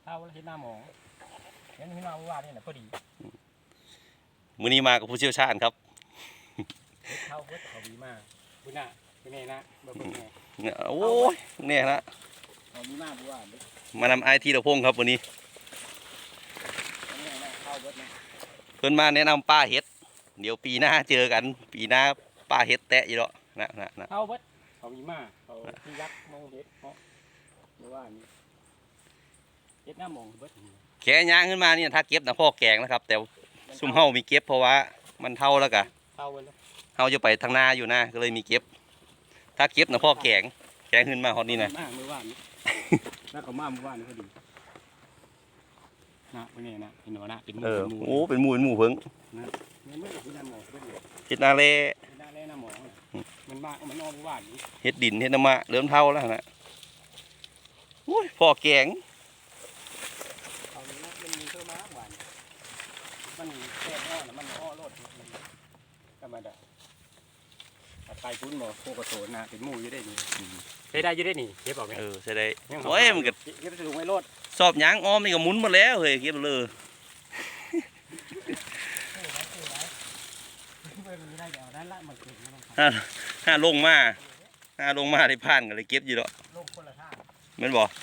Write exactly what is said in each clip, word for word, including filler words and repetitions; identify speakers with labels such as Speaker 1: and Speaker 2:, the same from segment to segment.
Speaker 1: ท่าแล้วเห็นหน้าหมองเห็นหน้าว่านี่แหละพอดี
Speaker 2: มื้อนี้มากับผู้เชี่ยวชาญครับ
Speaker 1: เห็ดเท่าเห็ดเขาดีมากคุณน่ะเป็นไงนะเบิ่งไง
Speaker 2: โอ้ยเนี่ยนะ
Speaker 1: เขาดีมากว่า
Speaker 2: มานำไอทีละพงครับวันนี้เพิ่นมาแนะนำป้าเห็ดเดี๋ยวปีหน้าเจอกันปีหน้าป้าเห็ดแตะอยู่แล้วนะนะนะ
Speaker 1: เท่าเบิดเขาดีมากเขาที่ยักษ์มองเห็ดเพราะหรือว่านี่เห็ดหน้ามองเบิด
Speaker 2: แค่ย่างขึ้นมาเนี่ยถ้าเก็บนะพ่อแกงนะครับแต่ซุ่มเฮามีเก็บเพราะว่ามันเท่าแล้วกะ
Speaker 1: เท่าไปแล้ว
Speaker 2: เฮาจะไปทางหน้าอยู่นะก็เลยมีเก็บถ้าเก็บนะพ่อแกงแกงขึ้นมาฮอดนี่นะ
Speaker 1: มากมือว่านน่าก็มามือว่านพอดีนะเป็นไงนะเป็นหนูนะเป็นหมู
Speaker 2: เออโอ้เป็นหมูเป็นหมูเพิ่งเห็ดนาเล่
Speaker 1: มันบ้ามันนอนว่าน
Speaker 2: เห็ดดินเห็ดน้ำมะเริ่มเท่าแล้วนะโอ้ยพ่อแกง
Speaker 1: เอาเนื้อมันมีเท่าม้าหวานมันแค่อ้อนะมันอ้อรดธรรมดาไก่ปุ้นหมอโคกระโถนนะเป็นหมูอยู่ได้นี่ใช้ได้อยู่ได้นี่เก็บออกไหม
Speaker 2: เออใช้ได้โอ้ยมันก็
Speaker 1: เก็บถุงไว้รด
Speaker 2: สอบยางอ้อมนี่ก็หมุนมาแล้วเฮ้ยเก็บเลยห้าห้าลงมาห้าลงมาได้ผ่านกันเลยเก็บอยู่แล้วเหมือนบอก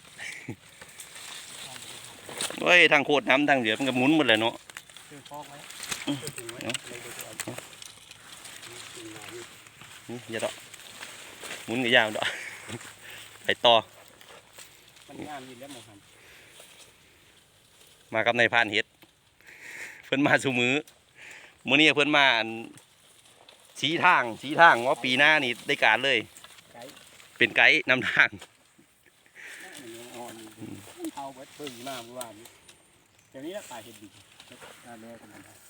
Speaker 2: เฮ้ยทางโคตรน้ำทางเหลือมันก็หมุนหมดเลยเนาะอย่าดอกหมุนกับยาวดอกไปต่อมากับนายพานเฮ็ดเพิ่นมาสู่มือมื้อนี้เพิ่นมาชี้ทางชี้ทางว่าปีหน้านี่ได้การเลยเป็นไกด์นำทาง
Speaker 1: เอาเบิดเพิ่งมาเมื่อวานนี้เดี๋ยวนี้ตายเห็ดดิ